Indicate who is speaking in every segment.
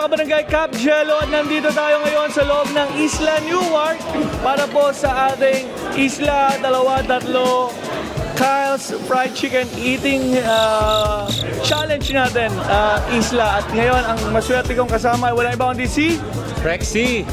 Speaker 1: kabarangay, Cap Jello, at nandito tayo ngayon sa loob ng Isla Newark para po sa ating Isla 2-3 Kyle's Fried Chicken Eating Challenge natin, Isla. At ngayon, ang maswerte kong kasama ay wala iba kundi si
Speaker 2: Rexy.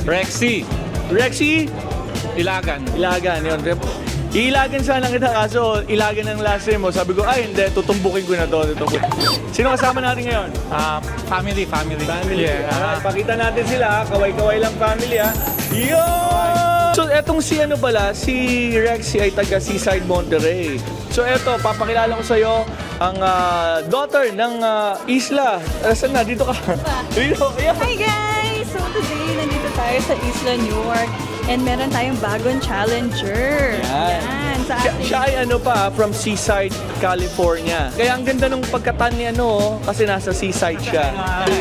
Speaker 2: Ilagan.
Speaker 1: Yun. Iilagan sana kita kaso ilagan ng last name mo. Sabi ko, ay hindi, tutumbukin ko na to. Sino kasama natin ngayon?
Speaker 2: Family.
Speaker 1: Yeah. Alright, pakita natin sila. Kaway-kaway lang family ha. Yo! So etong si si Rexy ay taga Seaside Monterrey. So eto, papakilala ko sa'yo ang daughter ng Isla. Saan na? Dito ka. Dito. Yeah.
Speaker 3: Hi guys! So today, nandito tayo sa Isla Newark and meron tayong bagong challenger. Yan. Sa ating...
Speaker 1: Siya ay from Seaside, California. Kaya ang ganda ng pagkatan ni kasi nasa Seaside siya.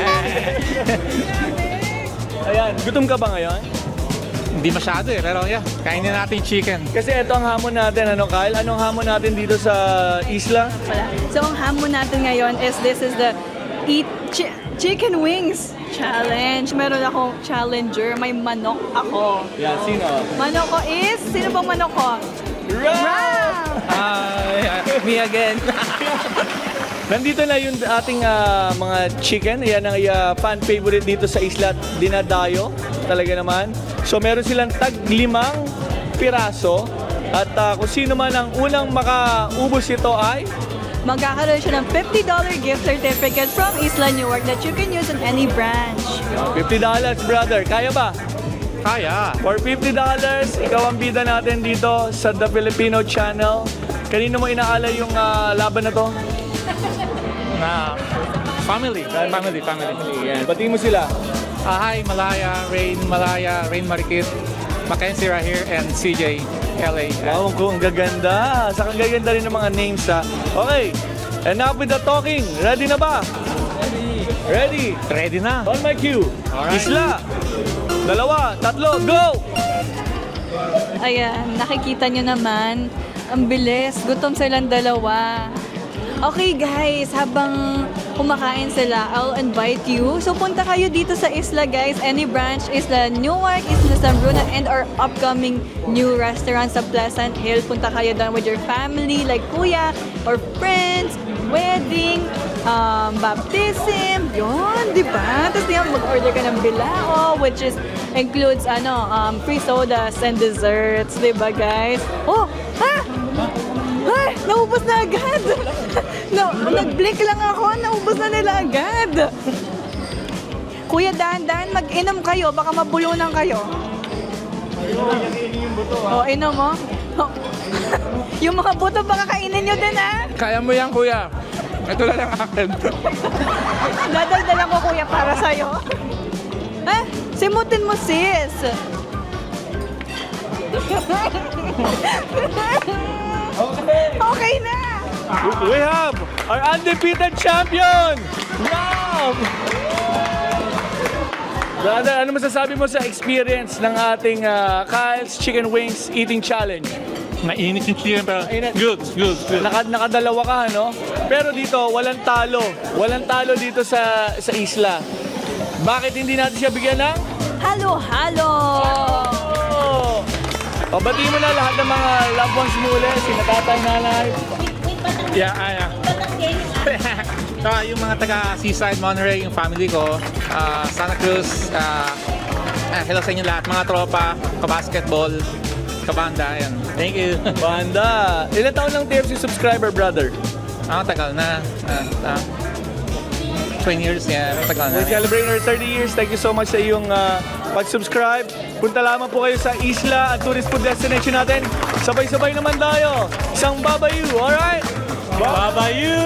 Speaker 1: Ayan, gutom ka ba ngayon?
Speaker 2: Hindi masyado pero yeah, kainin natin chicken.
Speaker 1: Kasi ito ang hamon natin, Kyle? Anong hamon natin dito sa Isla?
Speaker 3: So ang hamon natin ngayon is this is the Eat Chicken Wings Challenge. Meron akong challenger. May manok ako.
Speaker 1: Yan, sino?
Speaker 3: Manok ko is... Sino bang manok ko?
Speaker 1: Ram!
Speaker 2: Me again.
Speaker 1: Nandito na yung ating mga chicken. Yan ang fan favorite dito sa Isla. Dinadayo. Talaga naman. So meron silang tag-5 piraso. At kung sino man ang unang makaubos ito ay...
Speaker 3: Magkakaroon siya ng $50 gift certificate from Isla Newark that you can use on any branch.
Speaker 1: $50, brother. Kaya ba?
Speaker 2: Kaya.
Speaker 1: For $50, ikaw ang bida natin dito sa The Filipino Channel. Kanino mo inaalay yung laban na to?
Speaker 2: Family.
Speaker 1: Yan. Batiin mo sila.
Speaker 2: Hi, Malaya, Rain Marikit, Mackenzie Rahir, and CJ, LA.
Speaker 1: Wow, ang gaganda. Saka ang gaganda rin ng mga names ha. Okay, enough with the talking. Ready na ba? Ready?
Speaker 2: Ready na.
Speaker 1: On my cue.
Speaker 2: Alright.
Speaker 1: Isla. 2, 3, go!
Speaker 3: Ayan, nakikita nyo naman. Ang bilis. Gutom silang dalawa. Okay guys, habang kumakain sila, I'll invite you. So punta kayo dito sa Isla guys. Any branch, Isla Newark, Isla San Bruno, and our upcoming new restaurant sa Pleasant Hill. Punta kayo doon with your family, like kuya, or friends, wedding, baptism, yun, di ba? Tapos diyan mag-order ka ng bilao, which is includes free sodas and desserts, di ba guys? Oh, ay, naubos na agad. No, nag-blink lang ako, naubos na nila agad. Kuya, dahan-dahan, mag-inom kayo, baka mabulunan kayo. Oh, inom mo? Oh. Yung mga buto, baka kainin nyo din, ha?
Speaker 2: Kaya mo yan, kuya. Ito na lang akin.
Speaker 3: Dadaldalan ko, kuya, para sa'yo. Simutin mo, sis. Okay na!
Speaker 1: We have our undefeated champion, Ram! Brother, ano masasabi mo sa experience ng ating Kyle's Chicken Wings Eating Challenge?
Speaker 2: Mainit yung chicken pero good.
Speaker 1: Nakadalawa ka, no? Pero dito, walang talo. Walang talo dito sa isla. Bakit hindi natin siya bigyan ng...
Speaker 3: Halo-halo!
Speaker 1: Pabatiin mo na lahat ng mga loved ones mo ulit, sina tatay, nanay.
Speaker 2: Yeah. Yung mga taga Seaside Monterrey, yung family ko, Santa Cruz, hello sa inyo lahat, mga tropa, kabasketball, kabanda, yan. Thank you.
Speaker 1: Banda! Ilan taon lang TFC subscriber, brother?
Speaker 2: Tagal na. 20 years, yeah, tagal na.
Speaker 1: We're celebrating our 30 years. Thank you so much sa iyong pag-subscribe. Punta lamang po kayo sa Isla at tourist food destination natin. Sabay-sabay naman tayo. Isang babayu, alright? Babayu!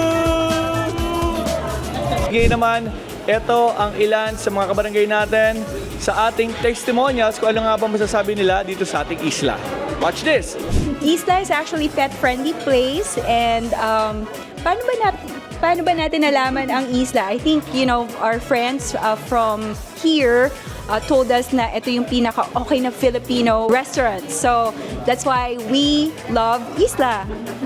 Speaker 1: Ngayon naman, ito ang ilan sa mga kabarangay natin sa ating testimonials kung ano nga ba masasabi nila dito sa ating isla. Watch this!
Speaker 4: Isla is actually pet-friendly place and paano ba natin nalaman ang isla? I think, our friends from here told us na ito yung pinaka-okay na Filipino restaurant. So, that's why we love Isla.